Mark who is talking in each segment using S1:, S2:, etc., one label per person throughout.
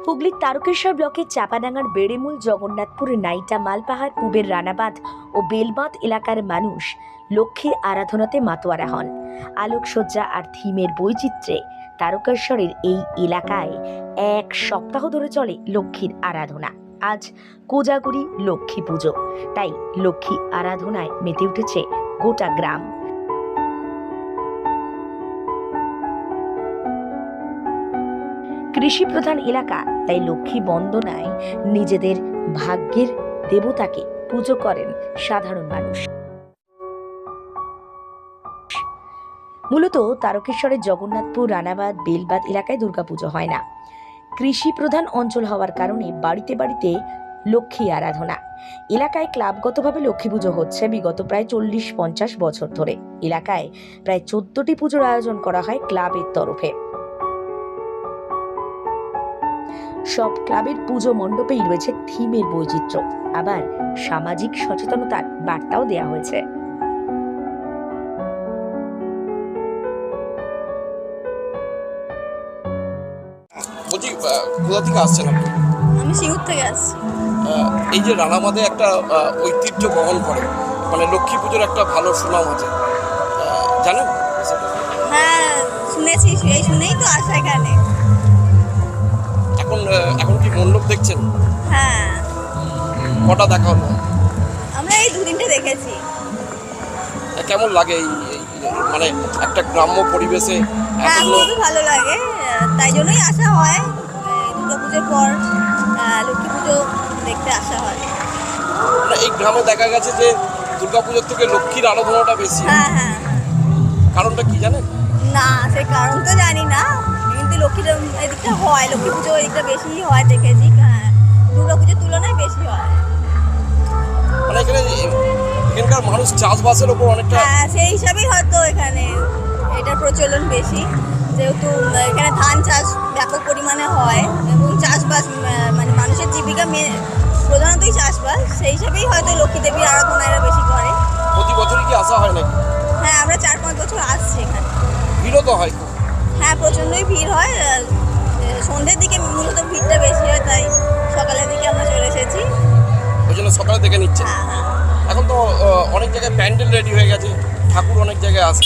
S1: হুগলির তারকেশ্বর ব্লকের চাপাডাঙ্গার বেড়েমূল, জগন্নাথপুর, নাইটা, মালপাহাড়, পুবের রানাবাঁধ ও বেলবাঁধ এলাকার মানুষ লক্ষ্মীর আরাধনাতে মাতোয়ারা হন। আলোকসজ্জা আর থিমের বৈচিত্র্যে তারকেশ্বরের এই এলাকায় এক সপ্তাহ ধরে চলে লক্ষ্মীর আরাধনা। আজ কোজাগরি লক্ষ্মী পুজো, তাই লক্ষ্মী আরাধনায় মেতে উঠেছে গোটা গ্রাম। কৃষি প্রধান এলাকা, তাই লক্ষ্মী বন্দনায় নিজেদের ভাগ্যের দেবতাকে পুজো করেন সাধারণ মানুষ। মূলত তারকেশ্বরের জগন্নাথপুর, রানাবাঁধ, বেলবাঁধ এলাকায় দুর্গাপুজো হয় না। কৃষি প্রধান অঞ্চল হওয়ার কারণে বাড়িতে বাড়িতে লক্ষ্মী আরাধনা। এলাকায় ক্লাবগতভাবে লক্ষ্মী পুজো হচ্ছে বিগত প্রায় 40-50 বছর ধরে। এলাকায় প্রায় 14টি পুজোর আয়োজন করা হয় ক্লাবের তরফে। সব ক্লাবের পুজো মণ্ডপেই রয়েছে থিমের বৈচিত্র্য, আবার সামাজিক সচেতনতার বার্তাও দেওয়া হয়েছে।
S2: বলছি, কোথা থেকে আসছেন আপনি?
S3: আমি সিঙ্গুর থেকে আসছি।
S2: এই যে রানাবাঁধে একটা ঐতিহ্য বহন করে, মানে লক্ষ্মী পুজোর একটা ভালো সুনাম আছে, জানেন?
S3: হ্যাঁ, শুনেছি, এই শুনেই তো আসা এখানে।
S2: এখন কি মণ্ডপ দেখছেন?
S3: হ্যাঁ,
S2: কটা দেখা হলো?
S3: আমরা এই দুদিনটা দেখেছি।
S2: কেমন লাগে মানে একটা গ্রাম্য পরিবেশে?
S3: হ্যাঁ, খুবই ভালো লাগে, তাই জন্যই আসা হয়। দুর্গা পুজোর পর লক্ষ্মী পুজো দেখতে আসা হয়।
S2: মানে এই গ্রামে দেখা গেছে যে দুর্গা পুজোর থেকে লক্ষ্মীর আরাধনাটা বেশি।
S3: হ্যাঁ হ্যাঁ।
S2: কারণটা কি জানেন?
S3: না, সেই কারণ তো জানি না, কিন্তু লক্ষ্মীর এদিকটা হয়, লক্ষ্মী পুজো এদিকটা বেশি হয় দেখেছি। হ্যাঁ, দুর্গা পুজোর তুলনায় বেশি হয়।
S2: মানে এখানকার মানুষ চাষবাসের ওপর অনেকটা।
S3: হ্যাঁ, সেই হিসাবেই হয়তো এখানে এটার প্রচলন বেশি, যেহেতু এখানে ধান চাষ ব্যাপক পরিমাণে হয় এবং চাষবাস মানে মানুষের জীবিকা প্রধানতই চাষবাস, সেই হিসাবেই হয়তো লক্ষ্মী দেবীর আরাধনা এরা বেশি করে।
S2: প্রতি বছরই কি আসা হয় নাকি?
S3: হ্যাঁ, আমরা 4-5 বছর আসছি এখানে।
S2: ভিড়ও তো হয়?
S3: হ্যাঁ, প্রচণ্ডই ভিড় হয়। সন্ধ্যের দিকে মূলত ভিড়টা বেশি হয়, তাই সকালের দিকে আমরা চলে এসেছি।
S2: ওই জন্য সকালে দেখে নিচ্ছে।
S3: হ্যাঁ হ্যাঁ।
S2: এখন তো অনেক জায়গায় প্যান্ডেল রেডি হয়ে গেছে, ঠাকুর অনেক জায়গায় আসে।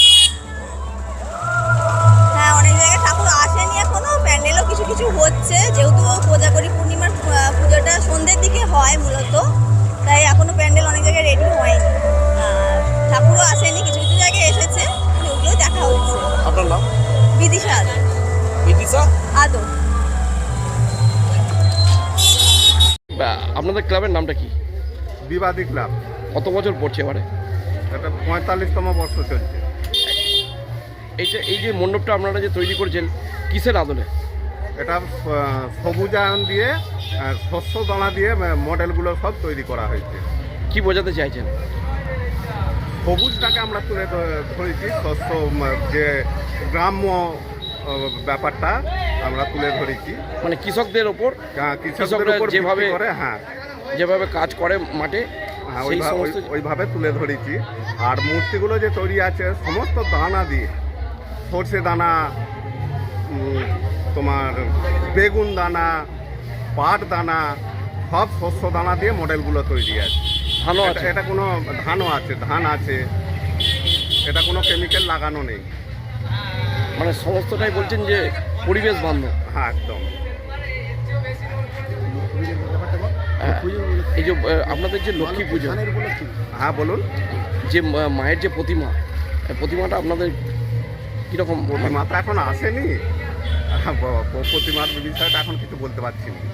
S3: হ্যাঁ, অনেক জায়গায় ঠাকুর আসেনি এখনো, প্যান্ডেলও কিছু কিছু হচ্ছে, যেহেতু কোজাগরি পূর্ণিমার পুজোটা সন্ধ্যের দিকে হয় মূলত, তাই এখনো প্যান্ডেল অনেক জায়গায় রেডি হয়নি। ঠাকুরও আসেনি, কিছু কিছু জায়গায় এসেছে, ওগুলোই দেখা হচ্ছে।
S2: আপনার নাম?
S3: বিদিশা আদো।
S2: বিদিশা
S3: আদো।
S2: আপনাদের ক্লাবের নামটা কি?
S4: বিবাদী ক্লাব।
S2: কত বছর পড়ছে এবারে?
S4: এটা 45তম বর্ষ চলছে।
S2: এই যে মণ্ডপটা আপনারা যে তৈরি করেছেন, কিসের আদলে?
S4: এটা সবুজায়ন দিয়ে শস্য দানা দিয়ে মডেলগুলো সব তৈরি করা হয়েছে।
S2: কি বোঝাতে চাইছেন?
S4: সবুজটাকে আমরা তুলে ধরেছি, শস্য যে গ্রাম্য ব্যাপারটা আমরা তুলে ধরেছি,
S2: মানে কৃষকদের ওপর,
S4: কৃষকদের উপর
S2: যেভাবে
S4: করে, হ্যাঁ
S2: যেভাবে কাজ করে মাঠে,
S4: হ্যাঁ
S2: সেই
S4: ওইভাবে তুলে ধরেছি। আর মূর্তিগুলো যে তৈরি আছে সমস্ত দানা দিয়ে, সর্ষে দানা, তোমার বেগুন দানা, পাট দানা, সব শস্য দানা দিয়ে মডেলগুলো তৈরি আছে।
S2: ধানও আছে?
S4: এটা কোনো ধানও আছে, ধান আছে, এটা কোনো কেমিক্যাল লাগানো নেই।
S2: মানে সমস্তটাই বলছেন যে পরিবেশ বান্ধব।
S4: হ্যাঁ, একদম।
S2: এই যে আপনাদের যে লক্ষ্মী পুজো,
S4: হ্যাঁ বলুন।
S2: যে মায়ের যে প্রতিমাটা আপনাদের কীরকম?
S4: প্রতিমাটা এখন আসেনি, প্রতিমার বিষয়টা এখন কিছু বলতে পারছি না।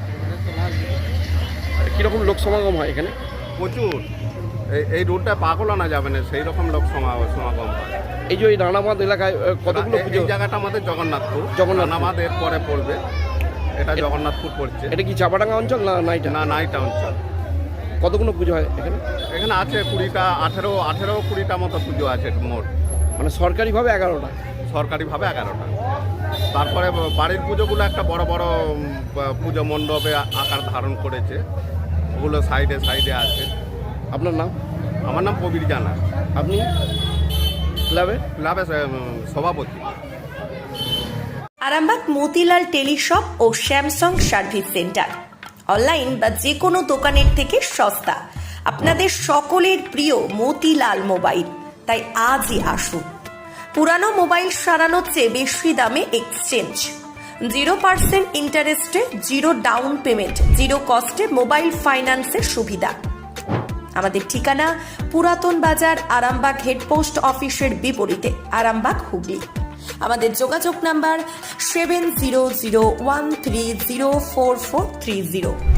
S2: কীরকম লোক সমাগম হয় এখানে?
S4: প্রচুর। এই রোডটা পাগল আনা যাবে না, সেই রকম লোক সমাগম হয়।
S2: এই যে ওই রানাবাঁধ এলাকায় কতগুলো পুজো?
S4: এই জায়গাটা আমাদের জগন্নাথপুর। রানাবাঁধ এর পরে পড়বে, এটা জগন্নাথপুর পড়ছে।
S2: এটা কি চাপাডাঙ্গা অঞ্চল না নাইটা?
S4: না, নাইটা অঞ্চল।
S2: কতগুলো পুজো হয় এখানে?
S4: এখানে আছে 20টা, 18-20টা মতো পুজো আছে মোট।
S2: মানে সরকারিভাবে 11টা?
S4: সরকারিভাবে 11টা। তারপরে বাড়ির পুজোগুলো একটা বড় বড় পুজো মণ্ডপে আকার ধারণ করেছে, ওগুলো সাইডে সাইডে আছে।
S2: আপনার নাম?
S4: আমার নাম কবির জানা।
S2: আপনি ক্লাবের
S4: সভাপতি।
S1: আরামবাগ মতিলাল টেলিশপ ও স্যামসাং সার্ভিস সেন্টার, অনলাইন বা যে কোনো দোকানের থেকে সস্তা। আপনাদের সকলের প্রিয় মতিলাল মোবাইল, তাই আজই আসুন। পুরানো মোবাইল সারানোর চেয়ে বেশি দামে এক্সচেঞ্জ, 0% ইন্টারেস্টে, 0 ডাউন পেমেন্ট, 0 কস্টে মোবাইল ফাইন্যান্সের সুবিধা। আমাদের ঠিকানা পুরাতন বাজার, আরামবাগ হেডপোস্ট অফিসের বিপরীতে, আরামবাগ, হুগলি। আমাদের যোগাযোগ নাম্বার 7001304430।